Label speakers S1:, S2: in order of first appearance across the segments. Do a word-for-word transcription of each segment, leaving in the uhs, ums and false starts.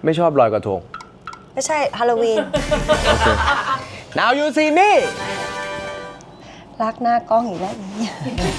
S1: ไม่ชอบลอยกระทง
S2: ไม่ใช่ฮาโลวีน
S1: Now you see me
S2: รักหน้ากล้องอีกแล้วนี่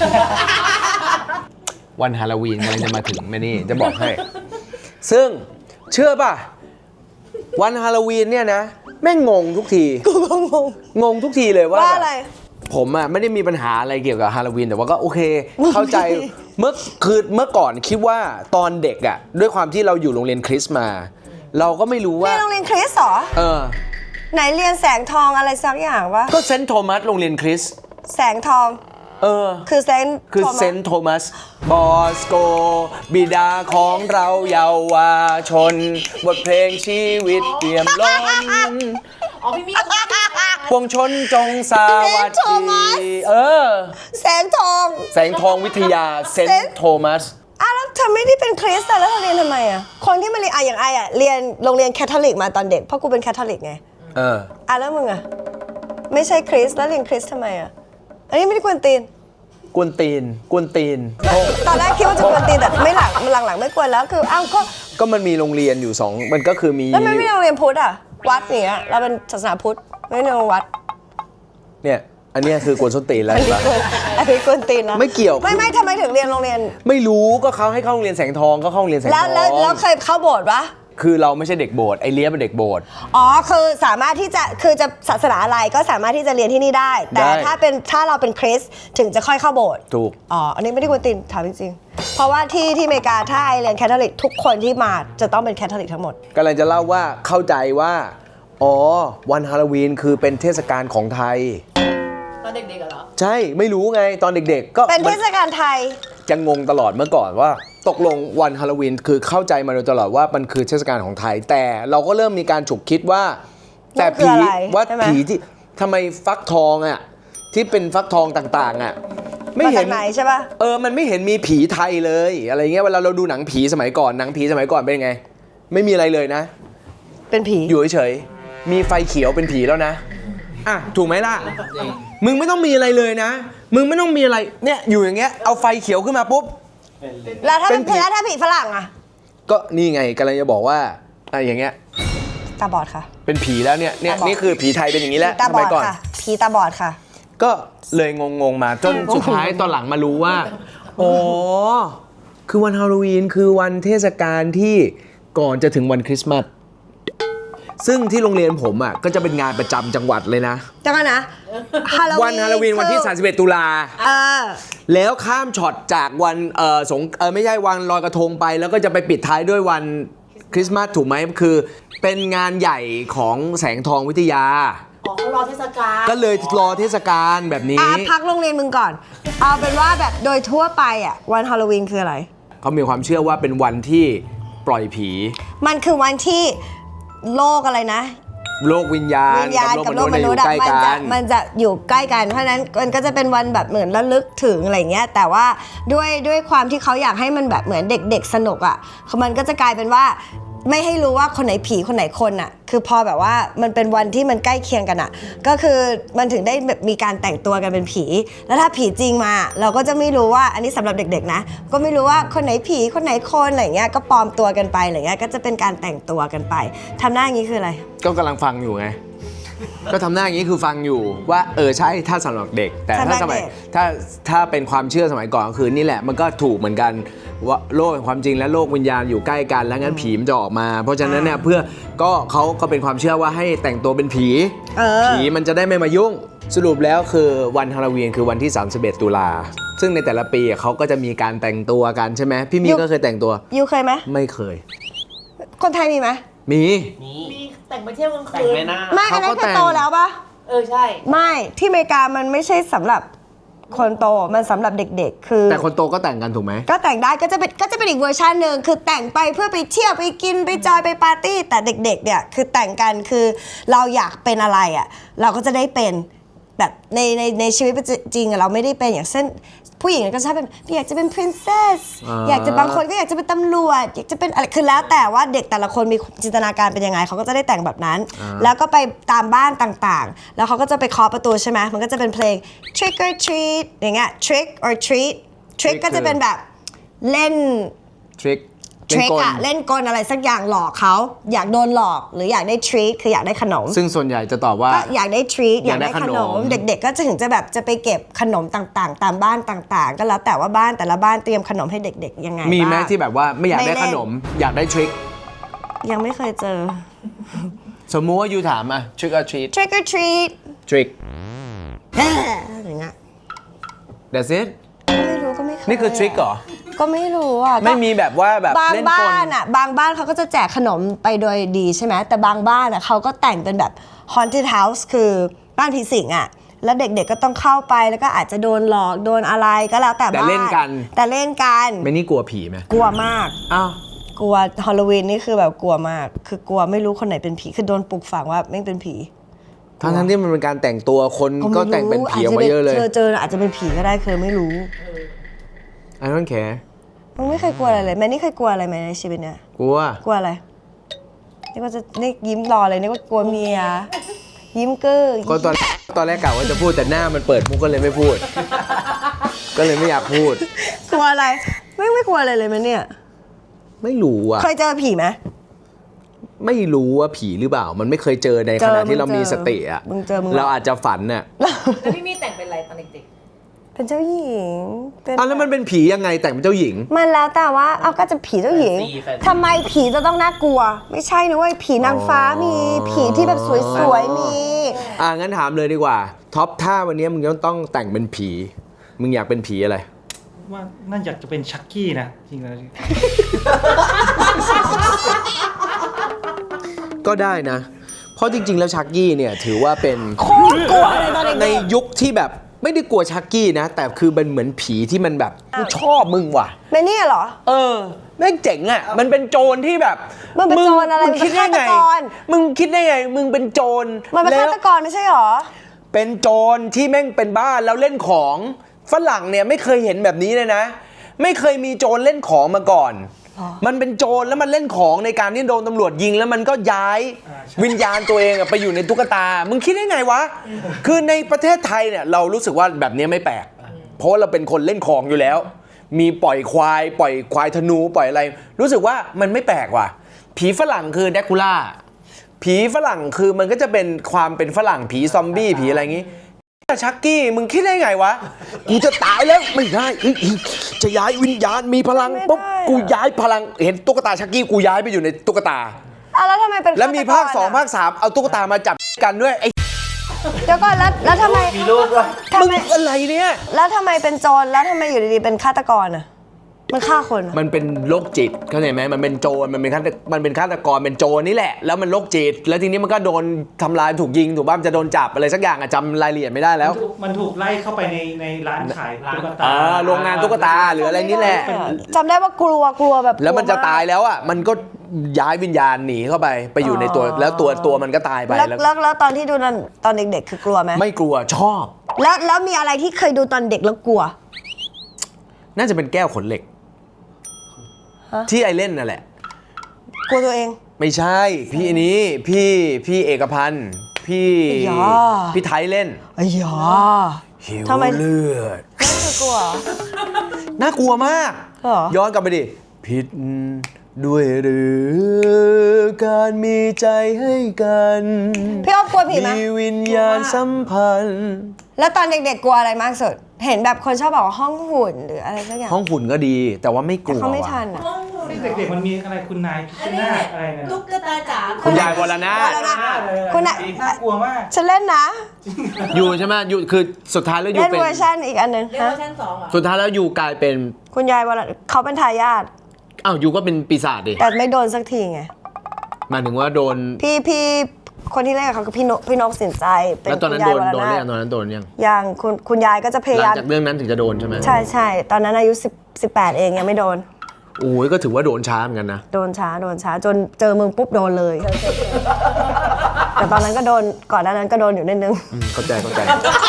S1: วันฮาโลวีนกำลังจะมาถึงแม่นี่จะบอกให้ ซึ่งเชื่อป่ะวันฮาโลวีนเนี่ยนะแม่งงงทุกที
S2: กูก็งง
S1: งงทุกทีเลยว่า
S2: ว่าอะไร
S1: ผมอะไม่ได้มีปัญหาอะไรเกี่ยวกับฮาโลวีนแต่ว่าก็โอเคเข้าใจเมื่อคือเมื่อก่อนคิดว่าตอนเด็กอะด้วยความที่เราอยู่โรงเรียนคริสต์มาเราก็ไม่รู้ว่า
S2: เรียนโรงเรียนคริสต์เหรอ
S1: เออ
S2: ไหนเรียนแสงทองอะไรสักอย่างวะ
S1: ก็เซนต์โทมัสโรงเรียนคริสต์
S2: แสงทอง
S1: เออ
S2: คือเซนต์
S1: คือเซนต์โทมัสบอสโกบิดาของเราเยาวชนบทเพลงชีวิตเปี่ยมล้น
S3: อ๋อพี่มี
S1: พวงชนจงสวัสดีเออ
S2: แสงทอง
S1: แสงทองวิทยาเซนต์โทมัส
S2: อ้าวแล้วเธอไม่ได้เป็นคริสต์แล้วเธอเรียนทำไมอ่ะคนที่มาเรียนอ่ะอย่างไออ่ะเรียนโรงเรียนแคทอลิกมาตอนเด็กเพราะกูเป็นแคทอลิกไง
S1: เออ
S2: อ่ะแล้วมึงอ่ะไม่ใช่คริสต์แล้วเรียนคริสต์ทำไมอ่ะอันนี้ไม่ได้กวนตีน
S1: กวนตีนกวนตีน
S2: ตอนแรกคิดว่าจะกวนตีนแต่ไม่หลังหลังๆไม่กวนแล้วคืออ้าวก็
S1: ก็มันมีโรงเรียนอยู่สองมันก็คือมี
S2: แล้วไม่มีโรงเรียนพุทธอ่ะวัดอย่างเงี้ยเราเป็นศาสนาพุทธไม่ในโรงวัด
S1: เนี่ยอันนี้คือกวนส้นตีนแล้ว
S2: อันนี้กวนตีนแล้ว
S1: ไม่เกี่ยว
S2: ไม่ไม่ทำไมถึงเรียนโรงเรียน
S1: ไม่รู้ก็เขาให้เข้าโรงเรียนแสงทองก็เข้าโรงเรียนแสงทอง
S2: แล้วแล้วเคยเข้าโบสถ์ปะ
S1: คือเราไม่ใช่เด็กโบสถ์ไอเลี้ยเป็นเด็กโบสถ์
S2: อ๋อคือสามารถที่จะคือจะศาสนาอะไรก็สามารถที่จะเรียนที่นี่ได้แต่ถ้าเป็นถ้าเราเป็นคริสต์ถึงจะค่อยเข้าโบสถ์
S1: ถูก
S2: อ๋ออันนี้ไม่ได้กวนตีนถามจริงๆเพราะว่าที่ที่อเมริกาถ้าไอเรียนแคทอลิกทุกคนที่มาจะต้องเป็นแคทอลิกทั้งหมด
S1: กำลังจะเล่าว่าเข้าใจว่าอ๋อวันฮาโลวีนคือเป็นเทศกาลของไทย
S3: ตอนเด็กๆเหรอ
S1: ใช่ไม่รู้ไงตอนเด็กๆก็
S2: เป็นเทศกาลไทย
S1: จะงงตลอดเมื่อก่อนว่าตกลงวันฮาโลวีนคือเข้าใจมาโดยตลอดว่ามันคือเทศกาลของไทยแต่เราก็เริ่มมีการฉุกคิดว่าแต่ผีว่าผีที่ทำไมฟักทองอ่ะที่เป็นฟักทองต่างๆอ่ะ
S2: ไม่เห็นไหนใช่ป่ะ
S1: เออมันไม่เห็นมีผีไทยเลยอะไรเงี้ยเวลาเราดูหนังผีสมัยก่อนหนังผีสมัยก่อนเป็นไงไม่มีอะไรเลยนะ
S2: เป็นผี
S1: อยู่เฉยๆมีไฟเขียวเป็นผีแล้วนะอ่ะถูกไหมล่ะมึงไม่ต้องมีอะไรเลยนะมึงไม่ต้องมีอะไรเนี่ยอยู่อย่างเงี้ยเอาไฟเขียวขึ้นมาปุ๊บ
S2: แล้วถ้าเป็นผีแล้วถ้าผีฝรั่งอ่ะ
S1: ก็นี่ไงกำลังจะบอกว่าอะไรอย่างเงี้ย
S2: ตาบอดค่ะ
S1: เป็นผีแล้วเนี่ยเนี่ยนี่คือผีไทยเป็นอย่างนี้แล้ว
S2: สมัยก่อนผีตาบอดค่ะ
S1: ก็เลยงงๆมาจนสุดท้ายตอนหลังมารู้ว่าอ๋อคือวันฮาโลวีนคือวันเทศกาลที่ก่อนจะถึงวันคริสต์มาสซึ่งที่โรงเรียนผมอ่ะก็จะเป็นงานประจำจังหวัดเลยนะ
S2: จังกันนะ
S1: วันฮาโลวีนวันที่สามสิบเอ็ดตุลา
S2: เออ
S1: แล้วข้ามช็อตจากวันเออสงเออไม่ใช่วันลอยกระทงไปแล้วก็จะไปปิดท้ายด้วยวันคริสต์มาสถูกไหมคือเป็นงานใหญ่ของแสงทองวิทยา
S3: อ๋อเขารอเทศกาล
S1: ก็เลยรอเทศกาลแบบนี้
S2: อ่ะพักโรงเรียนมึงก่อนเอาเป็นว่าแบบโดยทั่วไปอ่ะวันฮาโลวีนคืออะไร
S1: เขามีความเชื่อว่าเป็นวันที่ปล่อยผี
S2: มันคือวันที่โลกอะไรนะ
S1: โลกวิญญาณ
S2: กับโลกมนุษย์มันจะมันจะอยู่ใกล้กันเพราะฉะนั้นมันก็จะเป็นวันแบบเหมือนระลึกถึงอะไรเงี้ยแต่ว่าด้วยด้วยความที่เขาอยากให้มันแบบเหมือนเด็กๆสนุกอ่ะมันก็จะกลายเป็นว่าไม่ให้รู้ว่าคนไหนผีคนไหนคนอ่ะคือพอแบบว่ามันเป็นวันที่มันใกล้เคียงกันอ่ะก็คือมันถึงได้แบบมีการแต่งตัวกันเป็นผีแล้วถ้าผีจริงมาเราก็จะไม่รู้ว่าอันนี้สำหรับเด็กๆนะก็ไม่รู้ว่าคนไหนผีคนไหนคนอะไรเงี้ยก็ปลอมตัวกันไปอะไรเงี้ยก็จะเป็นการแต่งตัวกันไปทำหน้าอย่างนี้คืออะไร
S1: ก็กำลังฟังอยู่ไงก็ทำหน้าอย่างนี้คือฟังอยู่ว่าเออใช่ถ้าสำหรับเด็กแต่ถ้าสมัยถ้าถ้าเป็นความเชื่อสมัยก่อนก็คือนี่แหละมันก็ถูกเหมือนกันว่าโลกแห่งความจริงและโลกวิญญาณอยู่ใกล้กันแล้วงั้นผีมันจะออกมาเพราะฉะนั้นเนี่ยเพื่อก็เขาก็เป็นความเชื่อว่าให้แต่งตัวเป็นผีผีมันจะได้ไม่มายุ่งสรุปแล้วคือวันฮาโลวีนคือวันที่สามสิบเอ็ดตุลาซึ่งในแต่ละปีเขาก็จะมีการแต่งตัวกันใช่ไหมพี่มีก็เคยแต่งตัว
S2: ยูเคยไหม
S1: ไม่เคย
S2: คนไทยมีไหม
S1: มี
S3: มีแต่งไปเที่ยวกลางคืน
S2: ไม่อันนั้นคือโตแล้วปะ
S3: เออใช่
S2: ไม่ที่อเมริกามันไม่ใช่สำหรับคนโตมันสำหรับเด็กๆคือ
S1: แต่คนโตก็แต่งกันถูกไหม
S2: ก็แต่งได้ก็จะเป็นก็จะเป็นอีกเวอร์ชันหนึ่งคือแต่งไปเพื่อไปเที่ยวไปกินไปจอยไปปาร์ตี้แต่เด็กๆเนี่ยคือแต่งกันคือเราอยากเป็นอะไรอ่ะเราก็จะได้เป็นแบบในในในชีวิตจริงเราไม่ได้เป็นอย่างเช่นผู้หญิงก็ชอบเป็นอยากจะเป็น princess อยากจะบางคนก็อยากจะเป็นตำรวจอยากจะเป็นอะไรคือแล้วแต่ว่าเด็กแต่ละคนมีจินตนาการเป็นยังไงเขาก็จะได้แต่งแบบนั้นแล้วก็ไปตามบ้านต่างๆแล้วเขาก็จะไปเคาะประตูใช่ไหมมันก็จะเป็นเพลง trick or treat อย่างเงี้ย trick or treat trick ก็จะเป็นแบบเล่น
S1: trick
S2: ทริคอะเล่นกลอะไรสักอย่างหลอกเขาอยากโดนหลอกหรืออยากได้ทรีตคืออยากได้ขนม
S1: ซึ่งส่วนใหญ่จะตอบว่า
S2: ก็อยากได้ทรีตอยากได้
S1: อยากได้
S2: ข
S1: ข
S2: น
S1: น
S2: ม
S1: ม
S2: เด็กๆก็จะถึงจะแบบจะไปเก็บขนมต่างๆ ตามบ้านต่างๆ ก็แล้วแต่ว่าบ้านแต่ละบ้านเตรียมขนมให้เด็กๆยังไง
S1: มีไหม
S2: บ้าง
S1: ที่แบบว่าไม่อยากได้
S2: ไม่เล่
S1: ข
S2: น
S1: นม อยากได้ทริค
S2: ยังไม่เคยเจอ
S1: สมมุติว่ายูถามอะ trick or treat
S2: trick or treat
S1: trick
S2: อย่างเงี้ย
S1: that's it
S2: ก็ไม่รู้ก็ไม่เคย
S1: นี่คือทริคเหรอ
S2: ก็ไม่รู้อ่ะ
S1: ไม่มีแบบว่าแบบ
S2: บาง
S1: เล่นก
S2: บ้า
S1: ล
S2: นอ่ะบางบ้านเขาก็จะแจกขนมไปโดยดีใช่ไหมแต่บางบ้านอ่ะเขาก็แต่งเป็นแบบ haunted house คือบ้านผีสิงอ่ะแล้วเด็กๆก็ต้องเข้าไปแล้วก็อาจจะโดนหลอกโดนอะไรก็แล้วแต่
S1: แต่
S2: บ้าน
S1: เล่นกัน
S2: แต่เล่นกัน
S1: ไม่นี่กลัวผีไหม
S2: กลัวมาก
S1: อ้าว
S2: กลัวฮอลโลวีนนี่คือแบบกลัวมาก คือกลัวไม่รู้คนไหนเป็นผีคือโดนปลูกฝังว่าไม่เป็นผี
S1: ทั้งทั้งที่มันเป็นการแต่งตัวคนก็
S2: ไม่รู้
S1: แต่งเป็นผีออกมาเยอะเลย
S2: เธอเจออาจจะเป็นผีก็ได้เคยไม่รู้
S1: I don't care
S2: มึงไม่เคยกลัวอะไรเลยแม่นี่เคยกลัวอะไรไหมในชีวิตเนี่ย
S1: กลัว
S2: กลัวอะไรนี่ก็จะนี่ยิ้มรอเลยนี่ก็กลัวเมียยิ้มเก้อ
S1: ก็ตอนตอนแรกกะว่าจะพูดแต่หน้ามันเปิดมุกก็เลยไม่พูด ก็เลยไม่อยากพูด
S2: กลัวอะไรไม่ไม่กลัวอะไรเลยไหมเนี่ย
S1: ไม่รู้อะ
S2: เคยเจอผีไหม
S1: ไม่รู้ว่าผีหรือเปล่า มันไม่เคยเจอใน
S2: เจ
S1: ข
S2: อ
S1: ณะที่เรา
S2: มึงเจอ
S1: มีสติอะ
S2: มึงเจอมึง
S1: เราอาจจะฝันน่ะ
S3: แล้วพี่มี่แต่งเป็นอะไรตอนเด็ก
S2: เป็นเจ้าหญิงเป็น
S1: อ้าวแล้วมันเป็นผียังไงแต่งเป็นเจ้าหญิง
S2: มันแล้วแต่ว่าเอาก็จะผีเจ้าหญิง
S3: แฟนซีแฟนซี
S2: ทำไมผีจะต้องน่ากลัว ไม่ใช่นะเว้ยผีนางฟ้ามีผีที่แบบสวยๆมี
S1: อ่างั้นถามเลยดีกว่าท็อปถ้าวันนี้มึงต้องแต่งเป็นผี มึงอยากเป็นผีอะไร
S4: ว่าน่าอยากจะเป็นชักกี้นะจริงๆแล้ว
S1: ก็ได้นะ เพราะจริง ๆ แล้วชักกี้เนี่ยถือว่าเป็น
S2: โคตรกลัวเลยตอนเด็กๆ
S1: ในยุคที่แบบไม่ได้กลัวชักกี้นะ แต่คือเป็นเหมือนผีที่มันแบบกูชอบมึงว่ะ
S2: ในนี่เหรอ
S1: เออแม่งเจ๋งอ่ะ มันเป็นโจรที่แบบ
S2: มันเป็นโจรอะไร
S1: มึงคิดได้ไง
S2: มันเป็นฆาตกร
S1: มึงคิดได้ไง มึงเป็นโจร
S2: มันเป็น
S1: แล้
S2: ฆาว ตกรไม่ใช่เหรอ
S1: เป็นโจรที่แม่งเป็นบ้านแล้วเล่นของฝรั่งเนี่ยไม่เคยเห็นแบบนี้เลยนะ ไม่เคยมีโจรเล่นของมาก่อน มันเป็นโจรแล้วมันเล่นของในการที่โดนตำรวจยิงแล้วมันก็ย้ายวิญญาณตัวเองอะไปอยู่ในตุ๊กตา มึงคิดได้ไงวะ คือในประเทศไทยเนี่ยเรารู้สึกว่าแบบนี้ไม่แปลก เพราะว่าเราเป็นคนเล่นของอยู่แล้ว มีปล่อยควายปล่อยควายธนูปล่อยอะไร รู้สึกว่ามันไม่แปลกว่ะ ผีฝรั่งคือแดคูล่า ผีฝรั่งคือมันก็จะเป็นความเป็นฝรั่งผีซอมบี้ผีอะไรอย่างงี้ชักกี้มึงคิดได้ไงวะ กูจะตายแล้วไม่ได้เฮ้ยจะย้ายวิญญาณมีพลังปุ๊บ
S2: ไม่ได้อะ
S1: กูย้ายพลังเห็นตุ๊กตาชักกี้กูย้ายไปอยู่ในตุ๊กตา
S2: อ่ะแล้วทำไมเป็น
S1: แล้วมีภาคสอง
S2: ฆตกร
S1: ภาคสามเอาตุ๊กตามาจับกันด้วยไอ้
S2: เดี๋ยวก่อนแล้วแล้วทำไม
S3: ๆ มีลูกด้วย
S2: ทำ
S1: มึง
S2: ไม
S1: อะไรเนี่ย
S2: แล้วทำไมเป็นโจรแล้วทำไมอยู่ดีๆเป็นฆาตกรอ่ะมันฆ่าคนอะ
S1: มันเป็นโรคจิตเข้าใจไหมมันเป็นโจรมันเป็นฆาตมันเป็นฆาตกรเป็นโจรนี่แหละแล้วมันโรคจิต แล้วทีนี้มันก็โดนทำลายถูกยิงถูกบ้ามนจะโดนจับอะไรสักอย่างอะจำรายละเอียดไม่ได้แล้ว
S4: มันถูกไล่เข้าไปในในร้านขายตุ๊กตา
S1: อ่าโรงงานตุ๊กตาหรืออะไรนี่แหละ
S2: จำได้ว่ากลัวกลัวแบบ
S1: แล้วมันจะ
S2: กลัว
S1: ตายแล้วอ่ะมันก็ย้ายวิญญาณหนีเข้าไปไปอยู่ในตัวแล้วตัวตัวมันก็ตายไป
S2: แล้ว
S1: แล้ว
S2: แล้วแล้วตอนที่ดูตอนตอนเด็กๆ คือกลัวไหม
S1: ไม่กลัวชอบ
S2: แล้วแล้วมีอะไรที่เคยดูตอนเด็กแล้วกลัว
S1: น่าจะเป็นแก้วขนเหล็ก
S2: ฮะ
S1: ที่ไอเล่นนั่นแหละ
S2: กลัวตัวเอง
S1: ไม่ใช่ พี่นี้พี่พี่เอกพันธ์พี่
S2: อย่า
S1: พี่ไทยเล่น
S2: อ้ยา
S1: หิว
S2: ทำไม
S1: เลือด
S2: ไม่เคยกลัวเหรอ
S1: น่ากลัวมาก
S2: เหรอ
S1: ย้อนกลับไปดิผิดด้วยหรือการมีใจให้กัน
S2: พี่อ๊อฟกลัวผีไหม
S1: มีวิญญาณสัมพันธ์
S2: แล้วตอนเด็กๆกลัวอะไรมากสุด เห็นแบบคนชอบบอกว่าห้องหุ่นหรืออะไรสักอย่าง
S1: ห้องหุ่นก็ดี แต่ว่าไม่ก
S2: แต่
S1: ลัว
S2: เขาไม่
S1: ว่ะ
S2: ทันอ่ะ
S4: เด็กๆมันมีอะไรคุณนายพิ
S3: อั
S4: ช
S3: นนี้
S4: นาธิ์อะไรเนี่ย
S3: ตุ๊กตาจ๋า
S1: คุณยายวรนาถ
S2: วรนาถ คุ
S4: คุณ ณ
S2: น่ะ
S4: น่ากลัวมาก
S2: ฉันเล่นนะ
S1: อยู่ใช่ไหมอยู่คือสุดท้ายแล้วอยู่
S2: เล่น
S1: เป็น
S2: เวอร์ชันอีกอันหนึ่ง
S3: เรียก
S2: ฮะ
S3: ว่าชั้นสองเหรอ
S1: สุดท้ายแล้วอยู่กลายเป็น
S2: คุณยายวรเขาเป็นทายาท
S1: อ้าวอยู่ก็เป็นปีศาจดิ
S2: แต่ไม่โดนสักทีไง
S1: หมายถึงว่าโดน
S2: พี่พี่คนที่เล่นกับเขาคือพี่นกพี่นกสินใจเป็น
S1: แล้วตอนนั้น
S2: คุณ
S1: โด
S2: ยาย
S1: น
S2: วร
S1: โดน
S2: นา
S1: เรีย
S2: ถ
S1: กตอนนั้นโดนยัง
S2: ยังคุณคุณยายก็จะพยา
S1: หลั
S2: ยาง ม
S1: จากเรื่องนั้นถึงจะโดนใช่ไหม
S2: ใช่ใช่ตอนนั้นอายุสิบสิบแปดเองยังไม่โดน
S1: โอ้ยก็ถือว่าโดนช้าเหมือนกันนะ
S2: โดนช้าโดนช้าจนเจอมึงปุ๊บโดนเลย แต่ตอนนั้นก็โดนก่อนหน้านั้นก็โดนอยู่นิดนึง
S1: อืมเข้าใจเข้าใจ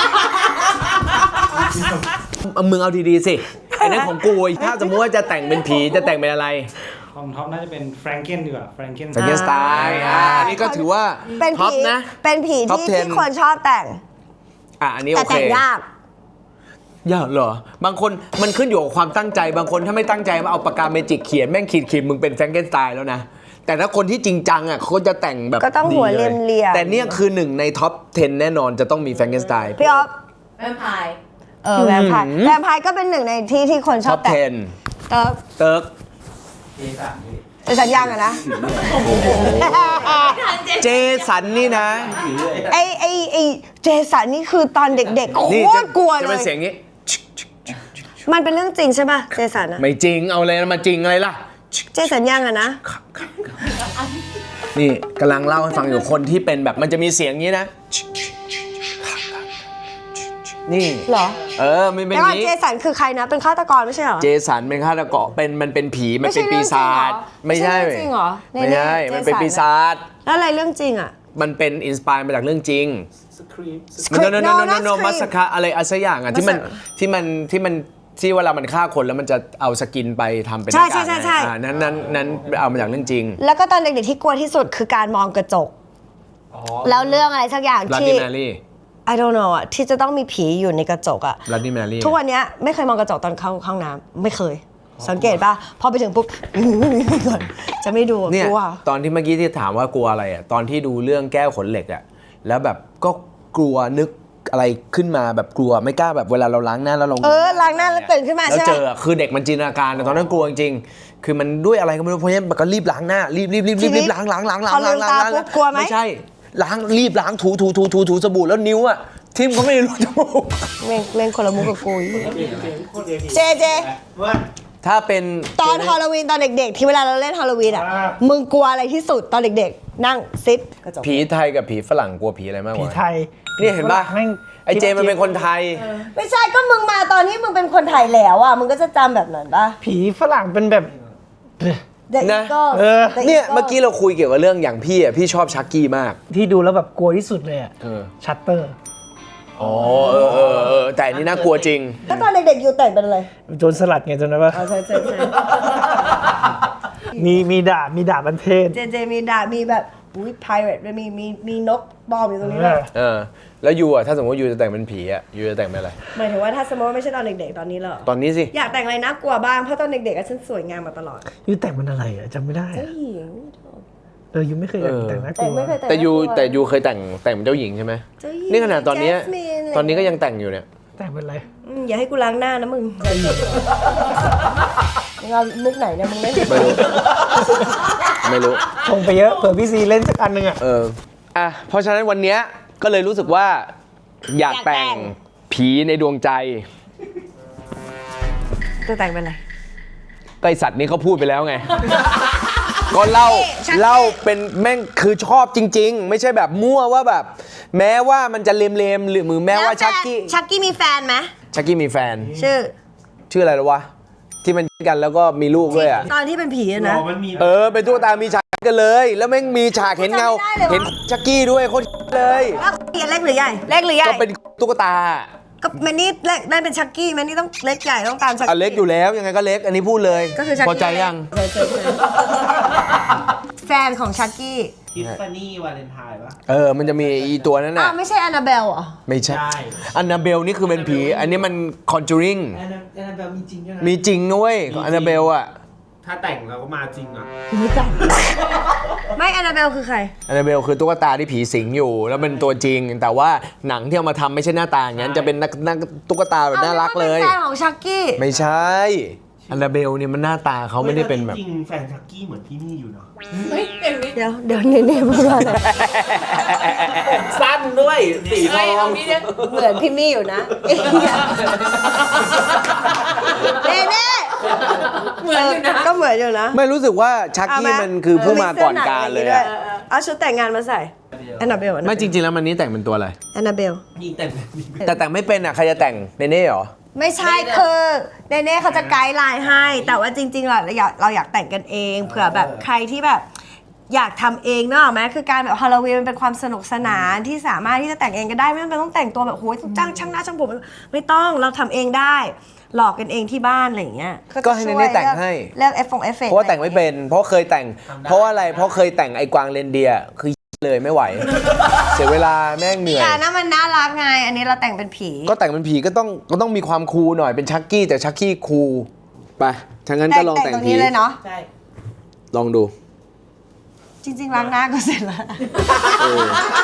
S1: เอามึงเอาดีๆสิไอ้นั่นของกูอีกถ้าสมมติว่าจะแต่งเป็นผีจะแต่งเป็นอะไร
S4: ของท็อปน่าจะเป็นแฟรงเกนดีกว่าแฟรงเกน
S1: สังเกตสไตล์อ่าอันนี้ก็ถือว่า
S2: เป็น
S1: ท็อป
S2: ผี
S1: นะ
S2: เป็นผี
S1: ท็อป
S2: ที่
S1: สิบ
S2: ที่คนชอบแต่ง
S1: อ่ะอันนี้
S2: แต่
S1: โอเค
S2: แต่งยาก
S1: อย่าเหรอบางคนมันขึ้นอยู่กับความตั้งใจบางคนถ้าไม่ตั้งใจมาเอาปากกาเมจิกเขียนแม่งขีดขีดมึงเป็นแฟรงเกนสไตน์แล้วนะแต่ถ้าคนที่จริงจังอ่ะเขาจะแต่งแบบ
S2: ก็ต้องหัว
S1: ดี
S2: เรียมๆ
S1: แต่เนี่ยคือหนึ่งในท็อปสิบแน่นอนจะต้องมีแฟรงเกนสไตน์
S2: พี่ออฟ
S3: แวมไพร์
S2: เออแวมไพร์แวมไพร์ก็เป็นหนึ่งในที่ที่คนช
S1: ท็
S2: อ
S1: อบ ป
S2: แต่
S1: สิบ
S2: เติร์ก
S1: เติร์ก
S2: เป็นสัญญาณอะนะ
S1: เจสันนี่นะ
S2: ไอไอไอเจสันนี่คือตอนเด็กๆโค
S1: นี่
S2: ต
S1: จะ
S2: รกลัว
S1: จะ
S2: เล
S1: เป็น
S2: ย
S1: เสียงนี้
S2: มันเป็นเรื่องจริงใช่ป่ะเจสันอะ
S1: ไม่จริงเอาอะไรมาจริงอะไรล่ะ
S2: เจสันยังอะนะ
S1: นี่กำลังเล่าให้ฟังอยู่คนที่เป็นแบบมันจะมีเสียงนี้นะ นี่
S2: เหรอ
S1: เออมันเป็น
S2: แล้ว
S1: อ
S2: ก่อน
S1: ย่างนี้
S2: เจสันคือใครนะเป็นฆาตกรไม่ใช่เหรอ
S1: เจสันเป็นฆาตกรเป็นมันเป็นผีมันเป็นปีศาจ
S2: ไม่
S1: ไม่
S2: ใช่
S1: ใช่
S2: เรื่องจริงเหรอ
S1: ไม่ใช่
S2: ในๆ
S1: มันเป็น
S2: เจสัน
S1: ปีศาจ
S2: แล้วอะไรเรื่องจริงอะ
S1: มันเป็นอินสปายมาจากเรื่องจริง
S4: สครีม
S1: โนโนโน
S2: No,
S1: โน
S2: not
S1: โน
S2: Scream
S1: มัสคาอะไรอะไรสักอย่างอ่ะที่มัน
S2: Massacre
S1: ที่มันที่มันที่เวลามันฆ่าคนแล้วมันจะเอาสกินไปทำเป็นห
S2: ใช่
S1: น้ากาก
S2: ใช่ใช่
S1: อ่านั้นนั้นนั้นเอามาจากเรื่องจริง
S2: แล้วก็ตอนเด็กๆที่กลัวที่สุดคือการมองกระจก
S4: อ๋อ
S2: แล้วเรื่องอะไรสักอย่าง
S1: ลัด
S2: ที่
S1: ดี้แมรี่
S2: I don't know อะที่จะต้องมีผีอยู่ในกระจกอะ
S1: ลัดดี้แมรี่
S2: ทุกวันเนี้ยไม่เคยมองกระจกตอนเข้าห้องน้ำไม่เคย สังเกตป่ะ พอไปถึงปุ๊บ ก่อนจะไม่ดู
S1: เนี่ย
S2: กลัว
S1: ตอนที่เมื่อกี้ที่ถามว่ากลัวอะไรอ่ะตอนที่ดูเรื่องแก้วขนเหล็กอ่ะแล้วแบบก็กลัวนึกอะไรขึ้นมาแบบกลัวไม่กล้าแบบเวลาเราล้างหน้าแล้วเรา
S2: เออล้างหน้าแล้วตื่นขึ้นมา
S1: แล้ว
S2: ใช่
S1: เจ
S2: ไหม
S1: อคือเด็กมันจินตนาการแต่ตอนนั้นกลัวจริงๆคือมันด้วยอะไรก็ไม่รู้เพราะฉะนั้นมันก็รีบล้างหน้ารีบรีบรีบรีบรีบล้างล้างล้างล้าง
S2: พอลื
S1: ล้าง
S2: ม
S1: ล้าง
S2: ตา
S1: ล้าง
S2: ปุ๊บกลัวไหม
S1: ไม่ใช่ล้างรีบล้างถูถูถูถูถูสบู่แล้วนิ้วอ่ะทิ่มก็ไม่รู้จมูก
S2: เม่งเม่งคนละมุกกับกูอีก
S4: โคตรเอพี
S2: เจเจ
S4: ว่า
S1: ถ้าเป็น
S2: ตอนฮอลโลวีนตอนเด็กๆ ที่เวลาเราเล่นฮอลโลวีนอะ
S4: อ่า
S2: มึงกลัวอะไรที่สุดตอนเด็กๆ นั่งซิปกระจก
S1: ผีไทยกับผีฝรั่งกลัวผีอะไรมากก
S5: ผี
S1: ว่า
S5: ไทย
S1: นี่เห็นป่ะ
S5: แม่ง
S1: ไอเจมันเป็นคนไทย
S2: ไม่ใช่ก็มึงมาตอนที่มึงเป็นคนไทยแล้วอะมึงก็จะจำแบบนั้นป่ะ
S5: ผีฝรั่งเป็นแบบ
S2: The
S1: นะ
S2: Eagle
S5: เออ
S2: The
S1: เนี่ย
S2: Eagle
S1: เมื่อกี้เราคุยเกี่ยวกับเรื่องอย่างพี่อ่ะพี่ชอบชักกี้มาก
S5: ที่ดูแล้วแบบกลัวที่สุดเลยอะ
S1: เออ
S5: ชัตเตอร์
S1: อ๋อเออเออเออแต่อันนี้น่ากลัวจริง
S2: แล้วตอนเด็กๆ อยู่แต่งเป็นอะไร
S5: โจรสลัดไงจำได้ปะ
S2: อ๋อใช่ใช่ใช่
S5: มีมีดาบมีดาบบันเทศ
S2: เจเจมีดาบมีแบบอุ้ย pirate ด้วยมีมีมีนกบอมอยู่ตรงนี้ด้วย
S1: เออ แล้วยูอ่ะถ้าสมมติยูจะแต่งเป็นผีอ่ะยูจะแต่งเป็นอะไร
S2: หมายถึงว่าถ้าสมมติว่าไม่ใช่ตอนเด็กๆ ตอนนี้เหรอ
S1: ตอนนี้สิ
S2: อยากแต่งอะไรน่ากลัวบ้าง เพราะตอนเด็กๆอะฉันสวยงามมาตลอด
S5: ยูแต่งเป็นอะไรอะจำไม่ได้
S2: เจ้า
S5: อะ
S2: หญิง
S5: เออยูไม่เคยแต่ง
S1: เออ
S5: แต่งน่าก
S2: แต่
S5: ลัว
S2: ไม่เคยแต่ง
S1: แต่ยู
S2: น่ากลัว
S1: แต่ยูเคยแต่งแต่งเป็นเจ้าหญิงใช่ไหม
S2: เจ้าหญิง
S1: นี่ขนาดตอนเนี้ย
S2: Jasmine อะไร
S1: ตอนนี้ก็ยังแต่งอยู่เนี่ย
S5: แต่งเป็นอะไร
S2: อืมอย่าให้กูล้างหน้านะมึงมึงเอามุกไหนเนี่ยมึงเล่น
S1: ไม่รู้ ไม่รู้
S5: ชงไปเยอะเผื่อพี่ซีเล่นสักอันหนึ่งอะ
S1: เออ อ่ะ เพราะฉะนั้นวันเนี้ยก็เลยรู้สึกว่า อยากแต่งผีในดวงใจ
S2: ตัวแต่งเป็นอะไร
S1: ก็ไอสัตว์นี้เขาพูดไปแล้วไง ก็เล่า
S2: ชักกี้
S1: เล่าเป็นแม่งคือชอบจริง ๆ ไม่ใช่แบบมั่วว่าแบบ แม้ว่ามันจะเลมๆหรือมือแม้ว่าชักกี้
S2: ชักกี้มีแฟนไหม
S1: ชักกี้มีแฟน
S2: ชื่อ
S1: ชื่ออะไรหรอวะ ที่มันกันแล้วก็มีลูกด้วยอ่ะ
S2: ตอนที่เป็นผีอะ
S4: หร
S2: นะ
S4: อมันมี
S1: เออ เป็นตุ๊กตามีฉากกันเลย แล้วแม่งมีฉากเห็นเงา
S2: จำไม่ได้เลยวะ
S1: เห็นชักกี้ด้วยโคตรเลย
S2: แล้วเล็กหรือใหญ่ เล็กหรือใหญ่
S1: ก็เป็นตุ๊กตา
S2: ก็แมนนี่เล็กนั่นเป็นชักกี้แมนนี่ต้องเล็กใหญ่ต้องตามชัก
S1: อ่ะ
S2: กี้
S1: เล็กอยู่แล้วยังไงก็เล็ก อันนี้พูดเลย
S2: ก็คือชักกี้
S1: พอใจยัง
S2: ใช่ใช่ใช่แฟนของชักกี้
S6: ทิฟฟานี่วาเลนไทน์ปะ
S1: เออ มันจะมีอีตัวนั้น
S2: อ้า
S1: น่ะ
S2: วไม่ใช่แอนนาเบลเหรอ
S1: ไม่ใช่
S6: ใช่
S1: อันนาเบลนี่คือเป็นผี อันนี้มันคอนจูริง
S6: แอนนาแอนนาเบลมีจริงด้วยนะ
S1: มีจริงนะเว้ยอันนาเบลอ่ะ
S6: ถ้าแต่งเราก็มาจริงอ่ะ
S2: ไม่จำไม่แอนนาเบลคือใคร
S1: อันนาเบลคือตุ๊กตาที่ผีสิงอยู่ แล้วเป็นตัวจริง แต่ว่าหนังที่เอามาทำไม่ใช่หน้าตาอย่างนั้น จะเป็นนักนักตุ๊กตาแบบน่ารักเลย
S2: อาเป็นแฟนของชักกี้
S1: ไม่ใช่ อันนาเบลเนี่ยมันหน้าตาเขาไม่ได้เป็นแบบ
S6: จริงๆแฟนชักกี้เหมือนพี่มี่อยู่เนาะ
S3: เฮ้ยเดี๋ยวนี้
S2: เดี๋ยวเดี๋ยวเน่เน่พูดว่าอะไร
S6: สั้นด้วยสีท
S3: เฮ้ย
S6: อ
S3: เอา
S6: ง
S3: พี่เนี่ย
S2: เหมือนพี่มี่อยู่นะเน่เน่
S3: เหมือนอยู่นะ
S2: ก็เหมือนอยู่นะ
S1: ไม่รู้สึกว่าชัก
S2: เอา
S1: กี้
S2: ไห
S1: มันคือผู้มาก่อนการเลยอะ
S2: เอาชุดแต่งงานมาใส่แอนนาเบล
S1: ไม่จริงๆแล้วมันนี้แต่งเป็นตัวอะไร
S2: แอนนาเบล
S6: นี่แต่งแบบนี้
S1: แต่แต่งไม่เป็นอ่ะใครจะแต่งเนเน่เหรอ
S2: ไม่ใช่คือเนเน่เขาจะไกด์ไลน์ให้ แต่ว่าจริงๆเราอยากเราอยากแต่งกันเองเผื่อแบบใครที่แบบอยากทำเองเนอะไหมคือการแบบฮาโลวีนมันเป็นความสนุกสนานที่สามารถที่จะแต่งเองก็ได้ไม่จำเป็นต้องแต่งตัวแบบโอ้ยจ้างช่างหน้าช่างผมไม่ต้องเราทำเองได้ หลอกกันเองที่บ้านอะไรอย่างเงี้ย
S1: ก็ให้เนเน่แต่งให้
S2: เลือกเอฟฟงเอฟเฟกต์
S1: เพราะว่าแต่งไม่เป็น เพราะเคยแต่ง เพราะว่าอะไร เพราะเคยแต่งไอ้กวางเรนเดียร์คือเลยไม่ไหว เสียเวลาแม่งเหนื่อย
S2: แต่นั่นมันน่ารักไง อันนี้เราแต่งเป็นผี
S1: ก็แต่งเป็นผีก็ต้องก็ต้องมีความคูลหน่อยเป็นชักกี้แต่ชักกี้คูลไปถ้างั้นก็ลอง
S2: แต่
S1: แต่
S2: ง
S1: ง
S2: ตรง
S1: ผี
S2: นี้เลยเนาะ
S3: ใช่
S1: ลองดู
S2: จริงๆล้างหน้าก็เสร็จแล้ว
S1: เออ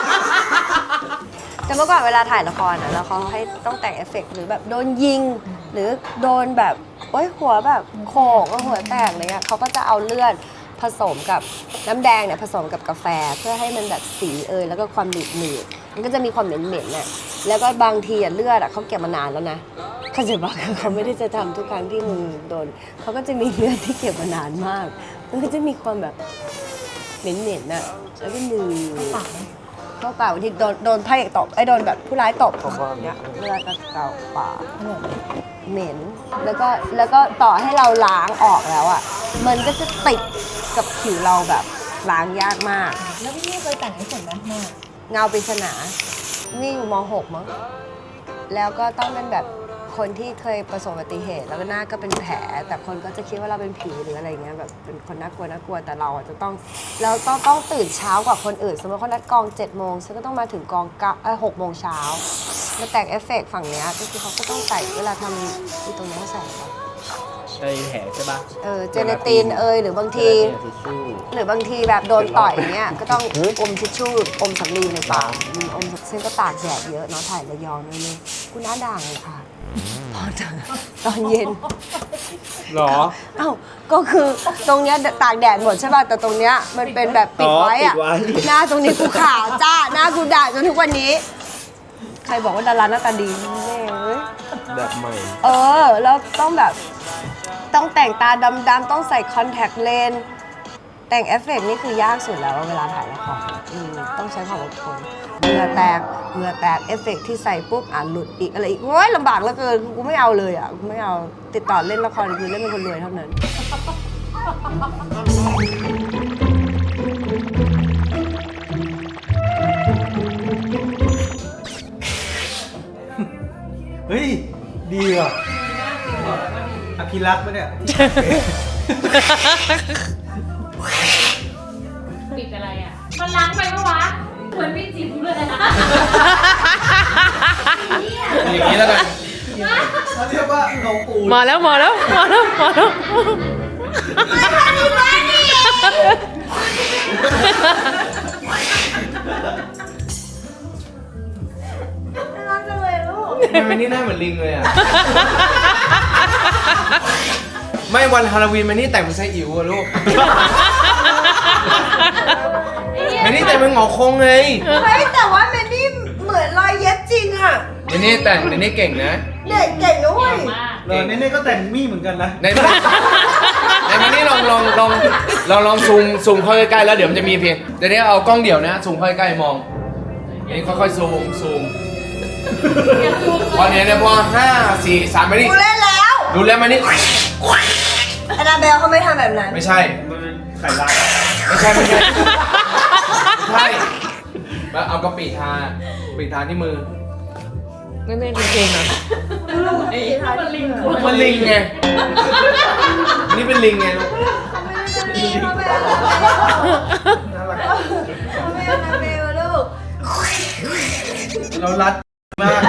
S2: แต่เมื่อก่อนเวลาถ่ายละครอ่ะแล้วเขาให้ต้องแต่งเอฟเฟกต์หรือแบบโดนยิง หรือโดนแบบโอ้ยหัวแบบโขกแล้วหัวแตกอะไรเงี้ยเขาก็จะเอาเลือดผสมกับน้ำแดงเนี่ยผสมกับกาแฟเพื่อให้มันแบบสีเอยแล้วก็ความหนืดหนืดมันก็จะมีความเหม็นเหม็นๆน่ะแล้วก็บางทีอ่ะเลือดอ่ะเขาเก็บมานานแล้วนะเขาจะบอกคือเขาไม่ได้จะทำทุกครั้งที่มึงโดนเขาก็จะมีเลือดที่เก็บมานานมาก มันก็จะมีความแบบเหม็นๆน่ะแล้วก็มือ เข้าปากบางทีโดนโดนพระเอกตบไอ้โดนแบบผู้ร้ายตบเนี้ยเลือดก็เกาปากเหม็นแล้วก็แล้วก็ต่อให้เราล้างออกแล้วอ่ะมันก็จะติดกับผิวเราแบบล้างยากมาก
S3: แล้วพี่นี่เคยแต่งให้ผมไหมหน้า
S2: เงาปริศนานี่อยู่ม หก มั้งแล้วก็ต้องเป็นแบบคนที่เคยประสบอุบัติเหตุ แล้วก็หน้าก็เป็นแผล แต่คนก็จะคิดว่าเราเป็นผีหรืออะไรเงี้ยแบบเป็นคนน่ากลัวน่ากลัวแต่เราอะจะต้องเราต้องต้องตื่นเช้ากว่าคนอื่น สมมติเขานัดกองเจ็ดโมงฉันก็ต้องมาถึงกองเก้าเอ้ยหกโมงเช้ามาแต่งเอฟเฟกต์ฝั่งเนี้ยก็คือเขาก็ต้องใส่เวลาทำที่ตรงนี้เขาใส่อะไร
S6: ใช่แผลใช่ปะ
S2: เออเจเนตินเอยหรือบางที
S6: ทิชชู่
S2: หรือบางทีแบบโดนต่อยอย่างเงี้ยก็ต้องอมทิชชู่อมสำลีในปากอืมอมซึ่งก็ตากแดดเยอะเนาะถ่ายระยองนั่นเลยกูหน้าด่างเลยค่ะพอเถอะตอนเย็น
S6: หรอ
S2: เอ้าก็คือตรงเนี้ยตากแดดหมดใช่ป่ะแต่ตรงเนี้ยมันเป็นแบบปิดไว้อะ
S6: อ๋อปิดไว้
S2: หน้าตรงนี้กูขาวจ้าหน้ากูด่างจนทุกวันนี้ ใครบอกว่าดาราหน้าตาดีแม่เอ้ย
S1: แบบใหม่
S2: เออแล้วต้องแบบต้องแต่งตาดำๆต้องใส่คอนแทคเลนส์แต่งเอฟเฟกต์นี่คือยากสุดแล้วเวลาถ่ายละครอืมต้องใช้ความอดทนเหงื่อแตกเหงื่อแตกเอฟเฟกต์ที่ใส่ปุ๊บอ่านหลุดอีกอะไรอีกโอ้ยลำบากเหลือเกินกูไม่เอาเลยอ่ะกูไม่เอาติดต่อเล่นละครคือเล่นเป็นคนรวยเท่านั้น
S5: เฮ้ย ดีว่ะอภิรักษ์ปะเนี่ย
S3: ปิดอะไรอ่ะ มันล้างไปปะวะ เหมือนพี่จิ๋มเลยนะ
S6: อย่างนี้แล้วกัน
S5: เขาเรียกว่าเงาปู
S7: มาแล้วมาแล้วมาแล้วมาแล้ว
S1: ทำไมนี่หน้าเหมือนลิงเลยอ่ะ ไม่วันฮาโลวีนมันนี่แต่งเป็นไส้อิ๋วอะลูกมันนี่แต่งเป็นหงอคงไง
S2: เฮ้ยแต่ว่าแมนนี่เหมือนรอยเย็บจริงอ่ะ
S1: มันนี่แต่งมันนี่เก่งนะ
S2: เด็กเก่งด้วย
S5: เออเน่ๆก็แต่งมี่เหมือนกันนะ
S1: ในมันในมันนี่ลองลองลองลองลองซูมซูมเข้าใกล้ๆแล้วเดี๋ยวมันจะมีเพียงเดี๋ยวนี้เอากล้องเดี่ยวนะซูมเข้าใกล้ๆมองอันนี้ค่อยๆซูมซูมพอเนี้ยเนี่ยพอห้าสี่สามไปนี่
S2: กูเล่นแล้ว
S1: ดูแล้วมันนี่
S2: อนาเบลเขาไม่ทำแบบนั้น
S1: ไม่ใช่
S6: ใส่ลาย
S1: ไม่ใช่ไม่ใช่ใช่แล้วเอากระปิทาปิทาที่มือ
S7: ไม่ไม่จริงๆอ่ะ
S3: มันลิง
S1: มันลิงไงอันนี่เป็นลิงไงลูก
S2: เขาไม่อนาเบลลูก
S1: เรารัดมาก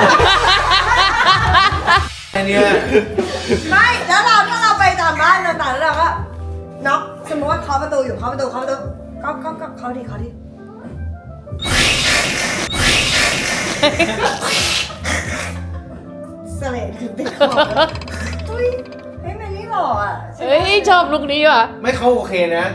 S1: อันเนี้ย
S2: ไม่แล้วเราถ้าเราไปตามบ้านต่างๆแล้วเราก็น็อกสมมติว่าเคาะประตูอยู่เคาะประตูเคาะประตูก็ก็ก็เคาะดิเคาะดิเสลดคือติดคอเฮ้ยเฮ้ยแมนนี่หล่ออ่ะ
S7: เฮ้ยชอบลุคนี้ว่ะ
S1: ไม่เขาโอเคนะ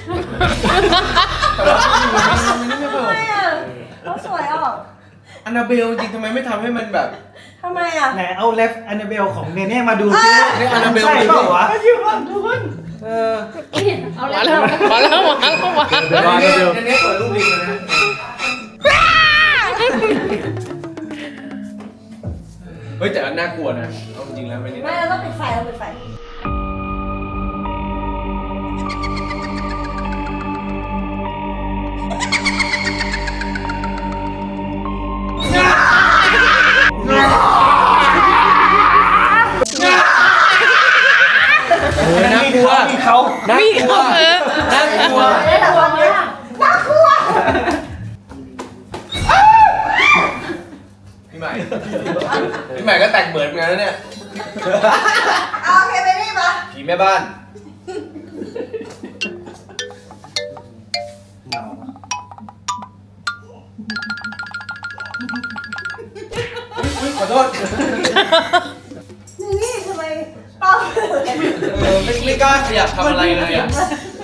S1: แต่ว่ามันนี่ไม่ค่อยโอ
S2: ทำไม
S1: เค
S2: อ่ะเขาสวยออก
S1: อันนาเบลจริงทำไมไม่ทำให้มันแบบ
S2: ทำไมอ่ะ
S5: ไหนเอาเลฟอันนาเบลของเนเน่มาดูซิ
S1: นี่อันนาเบล
S5: ใช่เปล่าวะ
S1: เออ
S3: เอา
S7: มา
S3: แล้
S7: แล้ว วมาแล้วมาแล้วมาแล้ว
S1: อันนี้อันนี้เปิดรูปลิงเลยนะเฮ้ยแต่อันน่ากลัวนะเอาจริงๆแล้วไม่นี่
S2: ไม่เราต้องปิดไฟเราปิดไฟ
S1: โอ้ยน่ากลัว
S5: มีเขา
S1: น่ากลัวน่ากลัว
S2: แต่ตอนนี้น่ากลัว
S1: ใหม่ พี่ใหม่ก็แต่งเหมือนกันนะเนี่ย
S2: เอาโอเคไปนี่ปะ
S1: ผีแม่บ้าน อุ๊ยขอโทษ
S2: นี่ทำไมเป้า
S1: เออไม่ไม่กล้าขยับทำอะไรเลยอ่ะ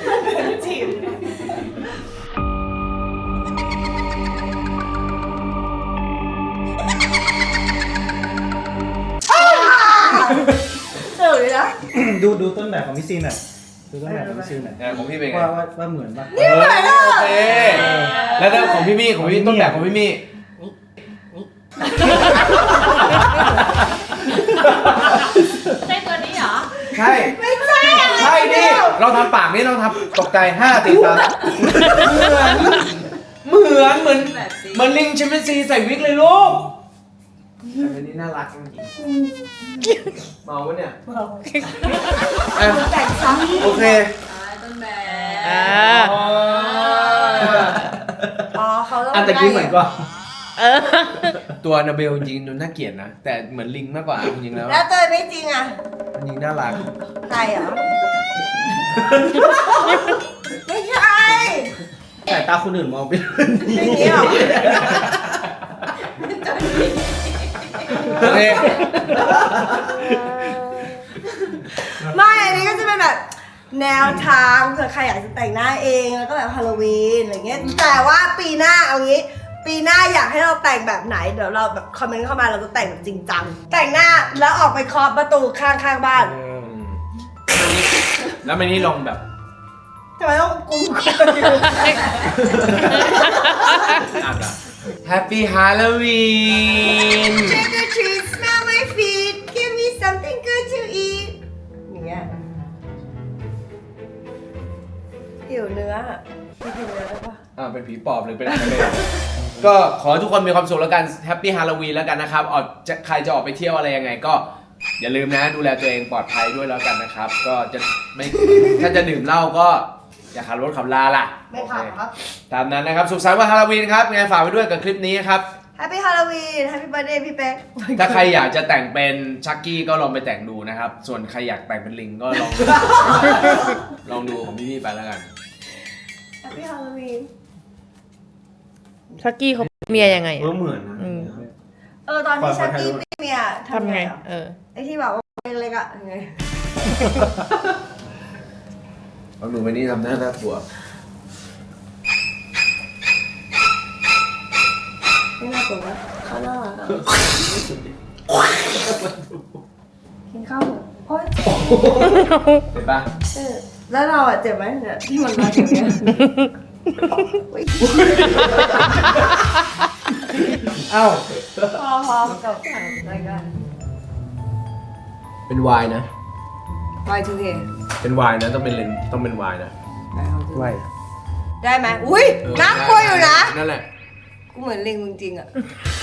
S2: เออเลยนะ
S5: ดูดูต้นแบบของพี่ซีนหน่อยดูต้นแบบของพี่ซีนหน่อย
S1: เนี่ยของพี่เป็นไง
S5: ว่าว่าว่าเหมือนปะ
S1: เออโอเค แล้วถ้าของพี่มี่ของพี่ต้นแบบของพี่มี่
S3: ใช่ตัวนี้เหรอ
S1: ใช่
S2: ไม่ใช่อะไร
S1: ใช่ดิเราทำปากนี่เราทำตกใจห้าตีสามเหมือนเหมือนเหมือนลิงแชมเปี้ยนซีใส่วิกเลยลูกแต่อันนี้น่ารักจริงๆเมาวะเนี่ยเมาแต่งซ้ำโอเค
S7: อ่า
S2: อ๋อเขาต้อง
S5: อันตะกี้เหมือนกว่า
S7: เออ
S1: ตัวนาเบลจริงๆดูน่าเกลียดนะ แต่เหมือนลิงมากกว่าจริงๆแล้ว
S2: แล้วตัวไม่จริงอ่ะ
S1: จริงๆน่ารัก
S2: ใครเหรอ ไม่ใช่
S5: สายตาคนอื่นมองเป็น
S2: ไม่นี้หรอ
S1: โอเค
S2: ไม่อันนี้ก็จะเป็นแบบแนวทางเผื่อใครอยากจะแต่งหน้าเองแล้วก็แบบฮาโลวีนอะไรเงี้ยแต่ว่าปีหน้าเอางี้ ปีหน้าอยากให้เราแต่งแบบไหนเดี๋ยวเราแบบคอมเมนต์เข้ามาเราจะแต่งแบบจริงจังแต่งหน้าแล้วออกไปเคาะประตูข้างข้างๆบ้าน
S1: แล้วมันนี่ลองแบบ
S2: ทำไมต้องกุมคน
S1: อ่ะอ่ะ Happy Halloween
S2: Trick or treat smell my feet give me something good to eat อย่างเงี้ยหิวเนื้อพี่หิวเนื้อได้ปะ
S1: อ่าเป็นผีปอบหรือเป็นอะไรเลย ก็ขอให้ทุกคนมีความสุขแล้วกัน Happy Halloween แล้วกันนะครับออกจะใครจะออกไปเที่ยวอะไรยังไงก็อย่าลืมนะดูแลตัวเองปลอดภัยด้วยแล้วกันนะครับ ก็จะไม่ ถ้าจะดื่มเหล้าก็อย่าขับรถขับลาล่ะ
S2: ไม่ขับครับ
S1: โอเคตามนั้นนะครับ สุขสันต์วันฮาโลวีนครับไงฝากไว้ด้วยกับคลิปนี้ครับ
S2: Happy Halloween Happy Birthday พี่เป๊ก
S1: ถ้าใครอยากจะแต่งเป็นชักกี้ก็ลองไปแต่งดูนะครับ ส่วนใครอยากแต่งเป็นลิงก็ลอง ลองดูของพี่ๆไปแล้วกัน
S2: Happy Halloween
S7: ชักกี้เขาเมียยังไง
S5: เออ
S7: อะ
S5: เหมือนนะ
S7: อืม
S2: เออตอนที่ชักกี้มีเมีย
S7: ทำไง
S2: อะ
S7: เออ
S2: ไอที่แบบว่าเล็กๆอ่ะยังไง
S1: ลองดูไปนี่ทำหน้าน่ากลัว
S2: ไม่น่ากลัววะเขาน่ารักอ่ะกินข้าวเหรอโอ๊ย
S1: เห็นปะ
S2: เออแล้วเราอ่ะเจ็บไหมเนี่ยที่มันมาอย่างเงี้ยอุ๊ย
S5: เอ้า
S2: พอพอกับรายการ
S1: เป็นวายนะ
S2: Y ทู เค
S1: เป็นวายนะต้องเป็นเลนต้องเป็นวายนะ
S5: ไว้
S2: ได้ไหมอุ้ยน่ากลัวอยู่นะ
S1: นั่นแหละ
S2: กูเหมือนลิงจริงๆอ่ะ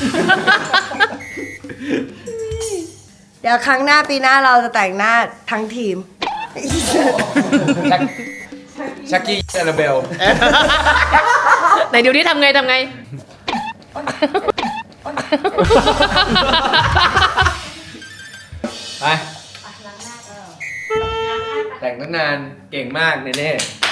S2: เดี๋ยวครั้งหน้าปีหน้าเราจะแต่งหน้าทั้งทีม
S1: ชักชักกี้แอนนาเบล
S7: ไหนเดี๋ยวนี้ทำไงทำไง
S1: ไป แต่งตั้งนานเก่งมากเนเน่